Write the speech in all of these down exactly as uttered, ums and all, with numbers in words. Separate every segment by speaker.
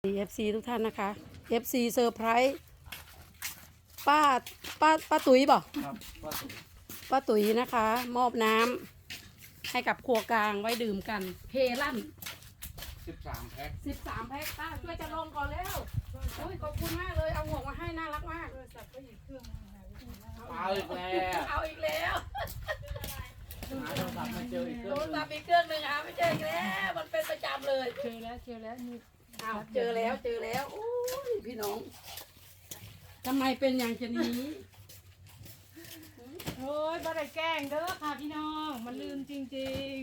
Speaker 1: เอฟซีทุกท่านนะคะ เอฟ ซี เซอร์ไพรส์ป้าป้าป้าตุ๋ยบอก
Speaker 2: ครับว่าสุด
Speaker 1: ป้าตุ๋ยนะคะ มอบน้ำให้กับครัวกลางไว้ดื่มกันเพลั่น
Speaker 2: สิบสามแพ็ค
Speaker 1: สิบสามแพ็คป้าช่วยจะลงก่อนแล้วโอ้ยขอบคุณมากเลยเอาหมวกมาให้น่ารักมาก
Speaker 2: เอาอีกแล้ว
Speaker 1: เอาอีกแล้ว
Speaker 2: หาโทรศัพท์ไม่เจออีกเค
Speaker 1: โท
Speaker 2: รื่อง
Speaker 1: ร
Speaker 2: หนึ่
Speaker 1: ศั
Speaker 2: ง
Speaker 1: พท์อีกเครื่องหนึ่งอ่ะไม่เจออีกแล้วมันเป็นประจำเลย
Speaker 3: เจอแล้วเจอแล้วนี่
Speaker 1: อ้าวเจอแล้วเจอแล้วโอ้ยพี่น้องทำไมเป็นอย่างจะนี้
Speaker 3: โอ้ยบ่ได้แกล้งเด้อค่ะพี่น้องมันลืมจริง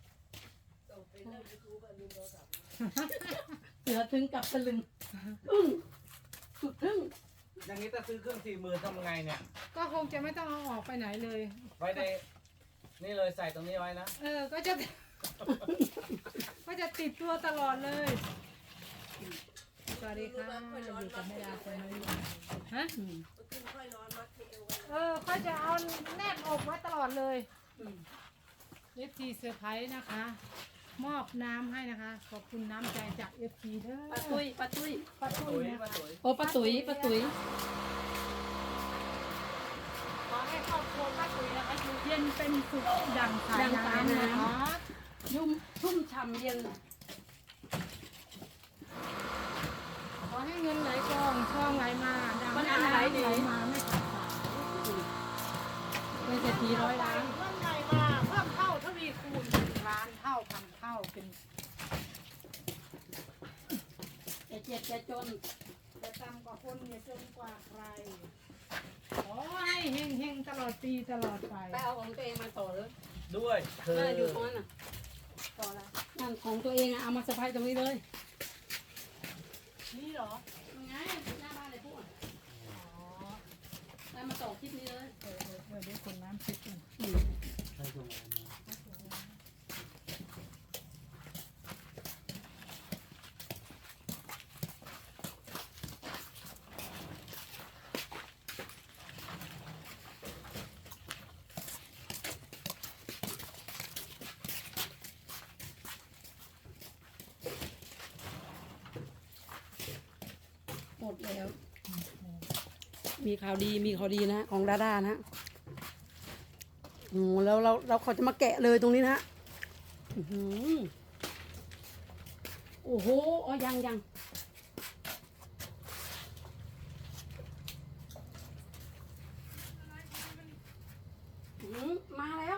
Speaker 1: เสือถึงกับตะลึงอึ้งสุดทึ่ง
Speaker 2: อย่างนี้ถ้าซื้อเครื่องสี่หมื่นทำไงเนี่ย
Speaker 3: ๆ ก็คงจะไม่ต้องเอาออกไปไหนเลย
Speaker 2: ไว้ในนี่เลยใส่ตรงนี้ไว้นะ
Speaker 3: เออก็จะ ก็จะติดตัวตลอดเลยสวัสดีค่ะอยู่กับแม่ดาคนนี้ฮะเออเขาจะเอาแนบอกไว้ตลอดเลยเอฟทีเซอร์ไพรส์นะคะ มอบน้ำให้นะคะ ขอบคุณน้ำใจจากเอฟทีเด้อ
Speaker 1: ป้าตุ้ยป้าตุ้ย
Speaker 3: ป้าตุ้
Speaker 2: ตุ๋
Speaker 3: ย
Speaker 2: ย
Speaker 3: นะ
Speaker 2: มา
Speaker 3: คะ
Speaker 2: ตุ๋ย
Speaker 1: โอ้ป้าตุ้ยป้าตุ้ย
Speaker 3: ขอให้ครอบครัวป้าตุ้ยนะคะอยู่เย็นเป็นสุขดังสายน้ำนะคะ
Speaker 1: ยุ่มชุ่มฉ่ำเย็น
Speaker 3: ขอให้เงินไหลกองทองไหลมาดัง
Speaker 1: มัน
Speaker 3: แม่
Speaker 1: อะไร
Speaker 3: น้ำ
Speaker 1: ดี
Speaker 3: ไหลมาไม่ขาดสาย
Speaker 1: เป็นเศรษฐีร้อยล้าน
Speaker 3: เงินไหลมาเพิ่มเท่าทวีคูณเป็นล้านเท่าพันเท่าเป็น
Speaker 1: แกเจ็บแกจน
Speaker 3: จะต่ำกว่าคนเนี่ยจนกว่าใครขอให้เฮงเฮงๆตลอดปีตลอดไป
Speaker 1: ไปเอาของตัวเองมาต่อเลย
Speaker 2: ด้วยเธอ
Speaker 1: น่าอยู่ตรงนั้นน่ะต่อละนั่นของตัวเองอะเอามาสะพายตรงนี้เลย
Speaker 3: นี่เหรอ
Speaker 1: ยังไงหน้าบ้านเลยพวก
Speaker 3: อ๋อ
Speaker 1: แล้วมาต่อคลิปนี้เลย
Speaker 3: เออเออเออได้คนน้ำพริกกัน
Speaker 1: อืม
Speaker 2: ใครส่งอะไรมา
Speaker 1: หมดแล้ว มีข่าวดีมีข่าวดีนะของดาดานะโอ้แล้วเราเราเขาจะมาแกะเลยตรงนี้นะอื้อหือโอ้โหอ๋อยังยังอื้อหือมาแล้ว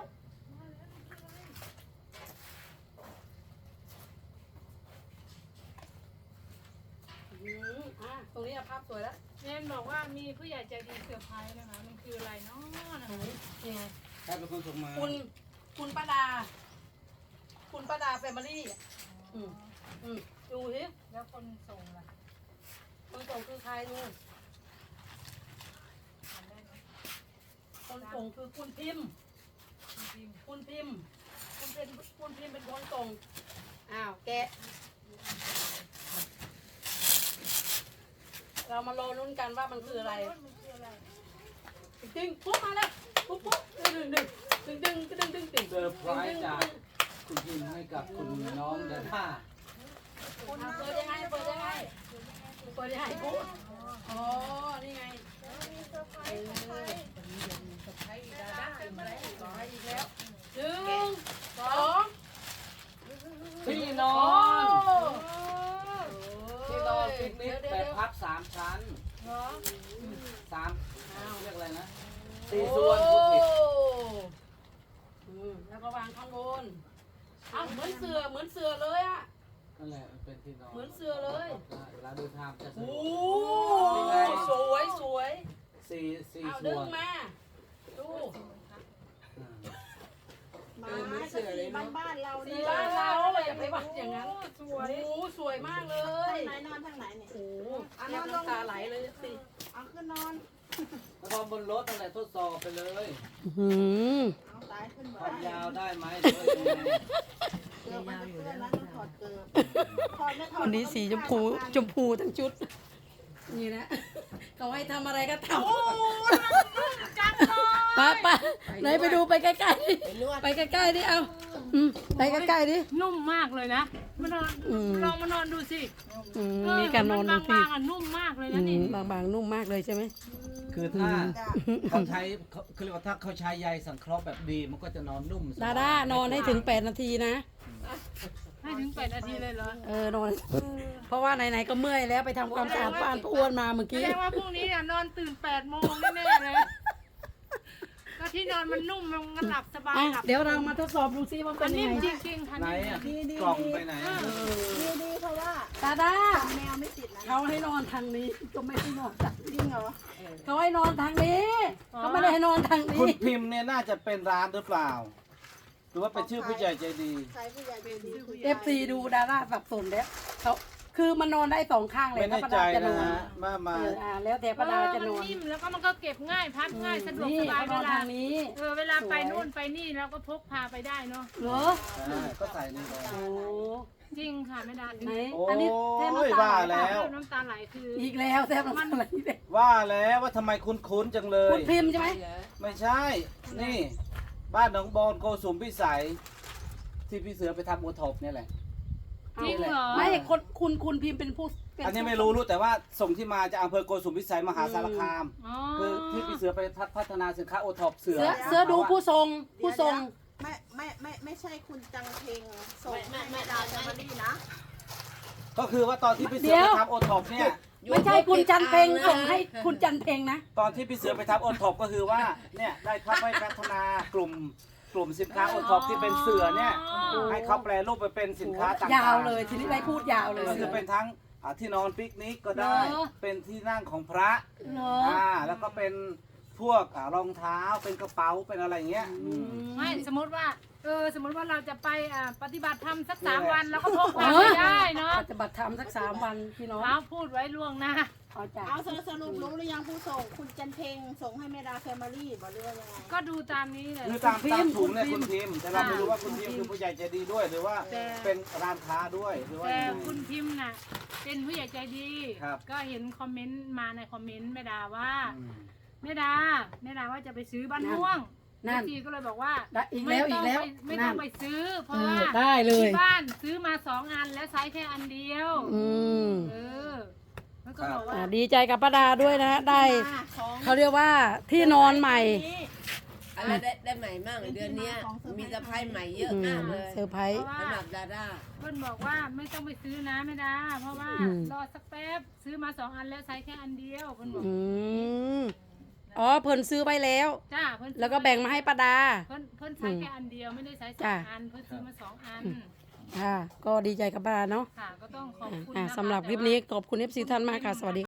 Speaker 1: อื้อหืออ่ะตรงนี้อะภาพสวยแล้ว
Speaker 3: เนนบอกว่ามีผู้ใหญ่ใจดีเซอร์ไพรส์นะคะมันคืออะไรเนาะนะคะ
Speaker 1: ยังไง
Speaker 2: ใครเป็นคนส่งมา
Speaker 1: คุณคุณป้าดา คุณป้าดาแฟมิลี่อ่ะอืมอืมดูสิ
Speaker 3: แล้วคนส่งล่ะ
Speaker 1: คนส่งคือใครดู
Speaker 3: ทำได้ไหม
Speaker 1: คนส่งคือคุณพิมพ์
Speaker 3: จริง
Speaker 1: คุณพิมพ์คุณเป็นคุณพิมพ์เป็นคนส่งอ้าวแกะเรามารอลุ้นกันว่ามันคืออะไร
Speaker 3: มันคืออะไร
Speaker 1: ดึงปุ๊บมาแล้วปุ๊บปุ๊บดึงดึงดึงดึงดึงดึงดึง
Speaker 2: เซอร์ไพรส์จากคุณพิมพ์ให้กับคุณน้องดาด้า
Speaker 1: อ่ะเปิดยังไงเปิดยังไงเปิดยังไงปุ๊บอ๋อนี่ไงเออให้ดาด้าอีกแล้วขอให้อีกแล้วหนึ่งสอง
Speaker 2: ที่นอน
Speaker 1: โ
Speaker 2: ที่นอนปิกนิก
Speaker 1: เดี๋ยว
Speaker 2: แบ
Speaker 1: เดี๋
Speaker 2: บ
Speaker 1: ยว
Speaker 2: พับสามชั้น
Speaker 3: เหรอ
Speaker 2: สาม
Speaker 1: อ้าว
Speaker 2: เรียกอะไรนะ
Speaker 1: โอ้
Speaker 2: สี่ส่วนพูดผิด
Speaker 1: อืมแล้วก็วางข้างบนอ้าวเหมือนเสือเหมือนเสือเลยอ่ะ
Speaker 2: นั่นแหละมันเป็นที่นอน
Speaker 1: เหมือนเสือเลย
Speaker 2: เวลาเดินทางจะสะ
Speaker 1: โอ้
Speaker 2: ดวก
Speaker 1: สวยสวย
Speaker 2: สี่สี่
Speaker 1: เอา
Speaker 2: ส่
Speaker 1: ดึ
Speaker 2: ว
Speaker 1: ง
Speaker 2: น
Speaker 1: มาดู
Speaker 2: อืม
Speaker 1: มาเหมือนเสือเลยเนาะ
Speaker 4: บ้านเรา
Speaker 1: สี
Speaker 4: นี่
Speaker 1: บ้านเราอย่าไปวัดอย่างนั้น
Speaker 3: สวย
Speaker 1: โอ้สวยมากเลย
Speaker 4: ไหนนอนทางไหนเนี่ย
Speaker 1: โอ้อันนั้นน้ำตาไหลเลยสิ
Speaker 4: เอาขึ้นนอน
Speaker 2: แล้วก็บนรถนั่นแหละทดสอบไปเลย
Speaker 1: หืม
Speaker 4: เอาสายขึ้น
Speaker 2: ค
Speaker 4: บ่
Speaker 2: วาม
Speaker 4: ได้
Speaker 2: ยาวได้ไหมหรือว่ายังไง
Speaker 4: เกือบมันจะเพื่อนแล้วต้องถอดเกือบถอดไม่ถอด
Speaker 1: วันนี้สีชมพูชมพูทั้งชุด นี่นะเขาให้ทำอะไรก็ทำ
Speaker 3: จังเลย
Speaker 1: ป้าป้าไหนไปดูไปใกล้ๆดิ
Speaker 4: ไปนวด
Speaker 1: ไปใกล้ๆดิเอาอืมไปใกล้ๆดิ
Speaker 3: นุ่มมากเลยนะมานอน
Speaker 1: อืม
Speaker 3: ลองมานอนดูสิ
Speaker 1: อืม
Speaker 3: เออ
Speaker 1: มีการนอน
Speaker 3: มั
Speaker 1: ดูสิ
Speaker 3: บางๆอ่ะนุ่มมากเลย
Speaker 1: อื
Speaker 3: นะนี่
Speaker 1: มบางๆนุ่มมากเลยใช่ไหม
Speaker 2: คือถ้าเขาใช้เขาคือเรียกว่าถ้าเขาใช้ใยสังเคราะห์แบบดีมันก็จะนอนนุ่มสบย
Speaker 1: ดาด้านอนให้ถึงแปดนาทีนะ
Speaker 3: ให้ถึงแปดนาทีเลยเหรอ
Speaker 1: เออนอน เพราะว่าไหนๆก็เมื่อยแล้วไปทำความสะอาดบ้านป้าอ้วนมาเมื่อ
Speaker 3: แส
Speaker 1: กี้
Speaker 3: ดงว่าพรุ่งนี้เนี่ยนอนตื่นแปดโมงแน่ๆเลยก็ที่นอนมันนุ่มมันหลับสบาย
Speaker 1: อ่ะ
Speaker 3: หลับ
Speaker 1: เดี๋ยวเรามาทดสอบดูซิว่าเป็
Speaker 3: อั
Speaker 1: น
Speaker 3: น
Speaker 1: ยั
Speaker 3: นี้
Speaker 1: งไง
Speaker 3: จริงๆค่ะ
Speaker 2: ไหน
Speaker 3: นี่
Speaker 2: อ่ะ
Speaker 4: ดีดี
Speaker 2: กล่องไปไหน
Speaker 4: ดีดีเพราะว่า
Speaker 1: ดาด้า
Speaker 4: แมวไม่ติดนะ
Speaker 1: เขาให้นอนทางนี้ก็ไม่ให้นอนทาง
Speaker 4: จริงเหรอ
Speaker 1: เขาให้นอนทางนี้เขาไม่ได้ให้นอนทาง
Speaker 2: คุ
Speaker 1: นี้
Speaker 2: ณพิมพ์เนี่ยน่าจะเป็นร้านหรือเปล่า หรือว่าเป็นชื่อผู้ใหญ่ใจดี
Speaker 4: ใช้ผู้ใหญ่ใจดีคือ
Speaker 1: เอฟซีดูดาด้าสับสนแล้วเขาคือมันนอนได้สองข้างเลย
Speaker 2: ไม่
Speaker 1: ถ้า
Speaker 2: แน่
Speaker 1: ประ
Speaker 2: ใจ
Speaker 1: ดาจะน
Speaker 2: นะ
Speaker 1: อน
Speaker 2: ฮะมามา
Speaker 1: เอออ่าแล้วแต่ประดาจะนอน
Speaker 3: เออมันนิ่มแล้วก็มันก็เก็บง่ายพับง่ายสะดวก
Speaker 1: นี่
Speaker 3: สบาย
Speaker 1: เขาน
Speaker 3: เว
Speaker 1: อน
Speaker 3: ลา
Speaker 1: ทางนี้
Speaker 3: เออเวลาไป
Speaker 1: สวย
Speaker 3: นู่นไปนี่เราก็พกพาไปได้เนาะ
Speaker 1: เหรอ
Speaker 2: อ่าก็ใส่นี่ไป
Speaker 1: โอ้
Speaker 3: จริงค่ะไม่ได้
Speaker 1: ไหน
Speaker 2: โอ้
Speaker 1: อันนี้แทบ
Speaker 2: ย
Speaker 1: น้ำตา
Speaker 2: ว่า
Speaker 1: ไหล
Speaker 2: แล้ว
Speaker 3: น้ำตาไหลคือ
Speaker 1: อีกแล้วแทบน้ำตาไหลเลย
Speaker 2: ว่าแล้วว่าทำไมคุ้นๆจังเล
Speaker 1: คุ
Speaker 2: ย
Speaker 1: ณพิมพ์ใช่ไหม
Speaker 2: ไม่ใช่ นี่ บ้านหนองบอนโกสุมพิสัย ที่พี่เสือไปทำโอท็อปเนี่ยแหละ
Speaker 3: จริงเหรอ
Speaker 1: ไม่คนคุณคุณพิมพ์เป็นผู้เป็
Speaker 2: อันนี้ไม่รู้รู้แต่ว่าส่งที่มาจากอำเภอโกสุมพิสัยมหาสารคาม
Speaker 3: อ๋อ
Speaker 2: คือที่พี่เสือไปพัฒนาสินค้าโอท็อปเสือ
Speaker 1: เสือเสือดูผู้ทรงผู้ทรง
Speaker 4: ไม่ไม่ไม่ไม่ใช่คุณจังเพงส่งให้แม่ดาวจะมาดีนะ
Speaker 2: ก็คือว่าตอนที่พี่เสือไปทำโอท็อปเนี่ย
Speaker 1: ไม่ใช่คุณจันเพงส่งให้คุณจันเพงนะ
Speaker 2: ตอนที่พี่เสือไปทำโอท็อปก็คือว่าเนี่ยได้เข้าไปพัฒนากลุ่มกลุ่มสินค้าโอท็อปที่เป็นเสือเนี่ยให้เขาแปลรูปไปเป็นสินค้าต่างๆ
Speaker 1: ยาวเลยทีนี้ได้พูดยาวเลย
Speaker 2: ก็คือเป็นทั้งอ่าที่นอนปิกนิกก็ได้
Speaker 1: เหรอ
Speaker 2: เป็นที่นั่งของพระ
Speaker 1: เหรอ
Speaker 2: อ่าแล้วก็เป็นพวกอ่ารองเท้าเป็นกระเป๋าเป็นอะไรอย่างเงี้ยอืม
Speaker 3: ไม่สมมติว่าเออสมมติว่าเราจะไปอ่าปฏิบัติธรรมสักสาม
Speaker 2: นี่แหละ
Speaker 3: วันเราก็พกพาไปได้เนาะ
Speaker 1: ปฏิบัติธรรมสักสามวันพี่น้อง
Speaker 3: เราพูดไว้ล่วงหน้า
Speaker 1: เอาจาก
Speaker 4: เอาสรุปรู้หรือยังผู้ส่งคุณจันเพงส่งให้แม่ดาวแฟมิลี่บอกเรื่องยังไง
Speaker 3: ก็ดูตามนี้เลย
Speaker 2: คือตามตามถุงเนี่ยคุณพิมพ์แต่เราไม่รู้ว่าคุณพิมพ์คือผู้ใหญ่ใจดีด้วย หรือว่า
Speaker 3: แต่
Speaker 2: เป็นร้านค้าด้วยหรือว่า
Speaker 3: แต่
Speaker 2: ยังไง
Speaker 3: คุณพิมพ์น่ะเป็นผู้ใหญ่ใจดี
Speaker 2: ครับ
Speaker 3: ก็เห็นคอมเมนต์มาในคอมเมนต์แม่ดาว่า
Speaker 2: อืม
Speaker 3: แม่ดาแม่ดาว่าจะไปซื้อบ้านม่วง
Speaker 1: นั่น
Speaker 3: จีก็เลยบอกว่า
Speaker 1: ได้อีกแล้ว
Speaker 3: ไม่ต้ง
Speaker 1: อีกแล้ว
Speaker 3: ไปไม่
Speaker 1: นั่
Speaker 3: ต้อน งไปซื้อ เพ
Speaker 1: เอ
Speaker 3: ราะ
Speaker 1: อ
Speaker 3: ว่า
Speaker 1: ได้เลย
Speaker 3: ที่บ้านซื้อมาสองอันแล้วใช้แค่อันเดียว
Speaker 1: อืม
Speaker 3: เออแล้วก็บอกว่า
Speaker 1: อ่าดีใจกับป้าดาด้วยนะ ได้
Speaker 4: ของ
Speaker 1: เขาเรียกว่าที่นอนใหม่
Speaker 5: อะไรได้ได้ใหม่มากเดือนเนี้ยมีสะพายใหม่เยอะ
Speaker 1: อื
Speaker 5: มาม กเลย
Speaker 1: เซอร์ไพร
Speaker 3: เพ
Speaker 1: ส์
Speaker 3: ราะว่า
Speaker 5: สำหรับดาด้า
Speaker 3: เพื่อนบอกว่าไม่ต้องไปซื้อนะแม่ดา เพราะว่า
Speaker 1: อืม
Speaker 3: รอสักแป๊บซื้อมาสองอันแล้วใช้แค่อันเดียวเพื่อนบอก
Speaker 1: อืมอ๋อเพิ่นซื้อไปแล้ว
Speaker 3: จ้าเพื่อนซื้อ
Speaker 1: แล้วก็แบ่งมาให้ป้าดา
Speaker 3: เพื่อนเพื่อนใช้แค่อันเดียวไม่ได้ใช้สอ
Speaker 1: จ้ะ
Speaker 3: งอันเพื่อนซื้อมาสองอัน
Speaker 1: ค่ะ ก็ดีใจกับป้าดาเนาะ
Speaker 3: ค่ะก็ต้องขอบคุณ
Speaker 1: อ่า
Speaker 3: นะคะ
Speaker 1: สำหรับคลิป
Speaker 3: แต่ว่า
Speaker 1: นี้ขอบคุณเอฟซีท่านมากค่ะ สวัสดี